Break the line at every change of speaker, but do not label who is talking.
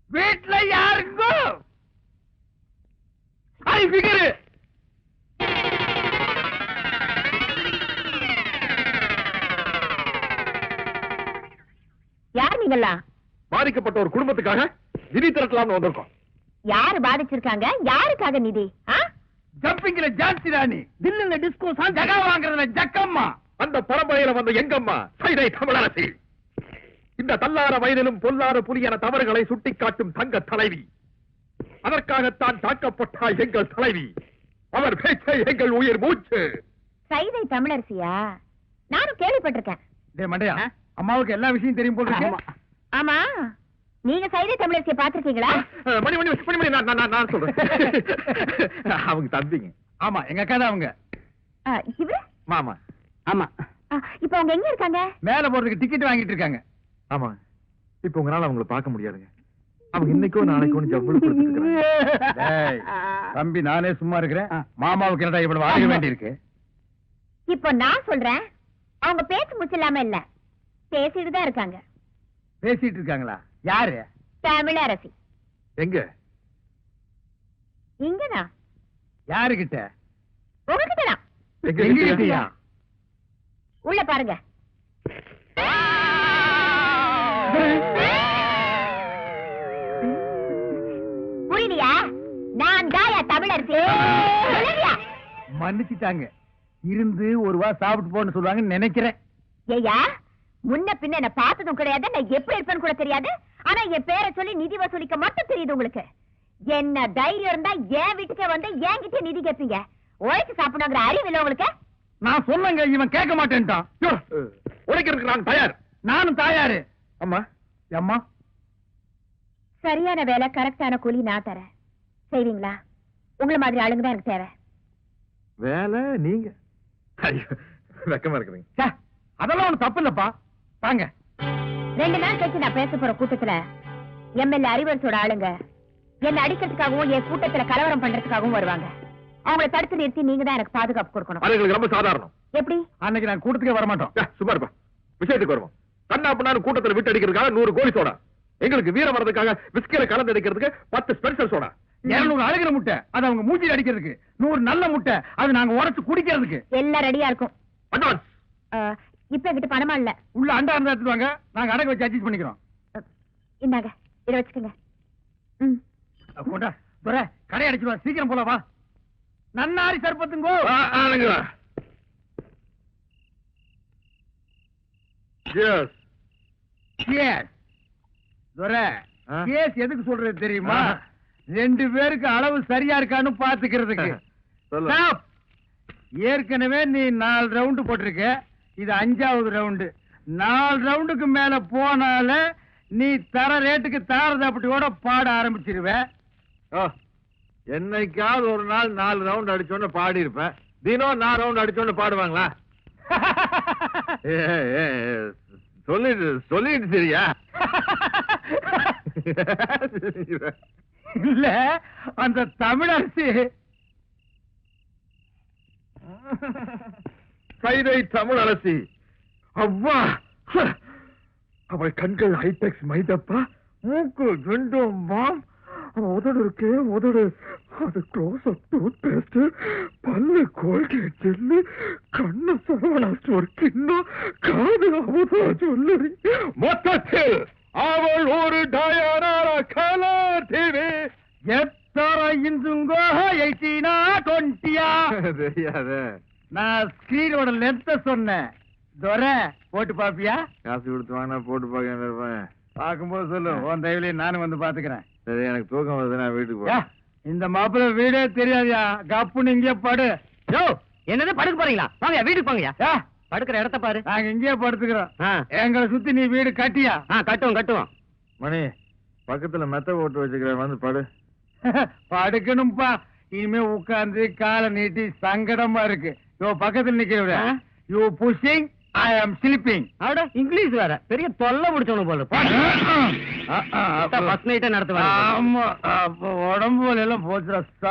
வீட்டுல யாருக்கும் பிகரு
யார் நீங்களா?
பாதிக்கப்பட்ட ஒரு குடும்பத்துக்காக நிதி திரட்டலாம்னு வந்திருக்கோம்.
யாரு பாதிச்சிருக்காங்க? யாருக்காக நிதி?
ஜம்பிங்ல ஜான்சி ராணி, தில்லுல டிஸ்கோ சாங், ஜகா வாங்குறதுல ஜக்கம்மா.
அந்த பரம்பரையில வந்த எங்கம்மா சைதை தமிழரசி. இந்த தள்ளார வயதிலும் பொல்லாத புலியன தவறுகளை சுட்டிக்காட்டும் தங்க தலைவி. அதற்காகத்தான் தாக்கப்பட்டால் எங்கள் தலைவி. அவர் பேச்சை எங்கள் உயிர் மூச்சு.
சைதை தமிழரசியா? நானும் கேள்விப்பட்டிருக்கேன்.
டேய் மண்டையா, அம்மாவுக்கு எல்லா விஷயம் தெரியும் போல இருக்கு.
ஆமா, நீங்க சைதை தமிழரசியை பாத்திருக்கீங்களா?
மணி மணி மணி மணி நான் சொல்றேன். அவங்க தம்பிங்க.
ஆமா, எங்க அக்கா தான் அவங்க.
இவரு
மாமா.
ஆமா.
இப்ப அவங்க எங்க இருக்காங்க?
மேல போறதுக்கு டிக்கெட் வாங்கிட்டு இருக்காங்க.
ஆமா, இப்ப உங்களால அவங்களை பார்க்க முடியாதுங்க. அவங்க இன்னைக்கோ நாளைக்கோ ஜவ்வளவு கொடுத்துருக்காங்க.
தம்பி, நானே சும்மா இருக்கிறேன். மாமாவுக்கு என்னடா இவ்வளவு வாங்க வேண்டி இருக்கு?
இப்போ நான் சொல்றேன், அவங்க பேச்சு முச்சில்லாம இல்ல, பேசிட்டு தான் இருக்காங்க.
பேசிட்டு இருக்காங்களா? யாரு?
தமிழரசி.
எங்க?
இங்கதான்.
யாருகிட்ட?
உங்ககிட்டதான்.
எங்ககிட்டயா?
உள்ள பாருங்க. புரியலையா? நான் தாயா தமிழரசி.
மன்னிச்சுட்டாங்க. இருந்து ஒரு வா சாப்பிட்டு போன்னு சொல்லுவாங்கன்னு நினைக்கிறேன்.
ஏயா, முன்ன பின்ன என்ன பார்த்ததும் கிடையாது, நான் எப்படி இருப்பேன்னு கூட தெரியாது. ஆனா என் பேரை சொல்லி நிதி வசூலிக்க மட்டும் தெரியுது உங்களுக்கு. என்ன தைரியம் இருந்தா என் வீட்டுக்கே வந்து என்கிட்ட நிதி கேட்பீங்க. உழைச்சு சாப்பிடணுங்கிற அறிவு இல்ல உங்களுக்கு?
நான் சொன்னங்க, இவன் கேட்க மாட்டேன்ட்டான்.
உழைக்கிறதுக்கு நான் தயார்.
நானும் தயாரு.
அம்மா.
அம்மா,
சரியான வேலை, கரெக்டான கூலி நான் தரேன். செய்வீங்களா? உங்களை மாதிரி ஆளுங்க தான் எனக்கு தேவை.
வேலை நீங்க? வெக்கமா இருக்குதுங்க.
அதெல்லாம் ஒண்ணு தப்பு இல்லப்பா. தாங்க.
2 நாள் கழிச்சு நான் பேச போற கூட்டத்துல எம்எல்ஏ அறிவரசோட ஆளுங்க என்ன அடிக்கிறதுக்காகவும் என் கூட்டத்துல கலவரம் பண்றதுக்காகவும் வருவாங்க. அவங்களை தடுத்து நிறுத்தி நீங்க தான் எனக்கு பாதுகாப்பு கொடுக்கணும்.
அது ரொம்ப சாதாரணம்.
எப்படி?
அன்னைக்கு நான் கூட்டத்துக்கே வரமாட்டோம்.
சும்மா இருப்பா. விஷயத்துக்கு வருவோம். கண்ணா பண்ணாரு கூட்டத்தில் விட்டு அடிக்கிறதுக்காக 100 கோழி சோடா, எங்களுக்கு வீரம் வரதுக்காக விஸ்கில கலந்து அடிக்கிறதுக்கு 10 ஸ்பெஷல் சோடா,
200 அழுகிற முட்டை அது அவங்க மூச்சில் அடிக்கிறதுக்கு, 100 நல்ல முட்டை அது நாங்க உரைச்சு குடிக்கிறதுக்கு.
எல்லாம் ரெடியா இருக்கும்.
அட்வான்ஸ்.
இப்ப என்கிட்ட பணமா இல்ல.
உள்ள அண்டா இருந்தா எடுத்துவாங்க, நாங்க அடகு வச்சு அட்ஜஸ்ட் பண்ணிக்கிறோம்.
இந்தாங்க, இதை வச்சுக்கோங்க.
கொண்டா துரை, கடை அடிச்சுடுவா. சீக்கிரம் போல வா. நன்னாரி சர்பத்துங்கோ. கேஸ் எதுக்கு சொல்றது தெரியுமா? 2 பேருக்கு அளவு சரியா இருக்கான்னு பாத்துக்கிறதுக்கு. ஏற்கனவே நீ 4 ரவுண்டு போட்டிருக்க, இது 5வது ரவுண்டு. 4 ரவுண்டுக்கு மேல போனால நீ தர ரேட்டுக்கு தாரதப்பட்டியோட பாட ஆரம்பிச்சிருவ.
என்னைக்காவது ஒரு நாள் 4 ரவுண்ட் அடிச்சோன்னு பாடி இருப்பேன். தினம் 4 ரவுண்ட் அடிச்சோன்னு பாடுவாங்களா? சொல்லிட்டு சரியா?
இல்ல, அந்த தமிழரசி
சைதை தமிழரசி. அவ்வா, அவள் கண்கள் ஹைடெக்ஸ் மைதப்பா, மூக்கு ரெண்டும் மாம், உதடு இருக்கே உதடு, அது க்ளோஸ் அப் டூத் பேஸ்ட், பல்லு கோல்கேட் ஜெல்லு, கண்ணு சரவணா ஸ்டோர் கிண்ணம், காது அமுதா ஜுவல்லரி. மொத்தத்தில் அவள் ஒரு டயானாரா கலர் டிவி.
எத்தர இன்சுங்கோ 18 20
தெரியாத.
நான் ஸ்கிரீனோட லென்த்த சொன்னேன். துரை, போட்டு பாப்பியா?
காசு கொடுத்து வாங்கினா போட்டு பார்க்க இருப்பேன்.
பார்க்கும்போது சொல்லு, உன் தயவுலையும் நானும் வந்து பாத்துக்கிறேன்.
சரி, எனக்கு தூக்கம் வருது, நான் வீட்டுக்கு போறேன்.
இந்த மாப்பிள்ள வீடே தெரியாதியா, கப்புன்னு இங்கே படு.
என்னது படுக்க போறீங்களா? வாங்க வீட்டுக்கு போங்கயா. படுக்கிற இடத்த பாரு.
நாங்க இங்கேயே படுத்துக்கிறோம். எங்களை சுத்தி நீ வீடு கட்டியா?
கட்டுவோம்.
மணி, பக்கத்துல மெத்த போட்டு வச்சுக்கிறேன், வந்து படு.
படுக்கணும்பா. இனிமே உட்கார்ந்து காலை நீட்டி சங்கடமா இருக்கு. பக்கத்துல நிக்கிற யூ புஷிங், ஐ ஆம் ஸ்லீப்பிங்.
அவட இங்கிலீஷ் வேற பெரிய தொல்லை முடிச்சவனு போல. ஃபர்ஸ்ட் நைட்டே நடத்துவாங்க.
ஆமா, அப்ப உடம்பு எல்லாம் போச்சுடா.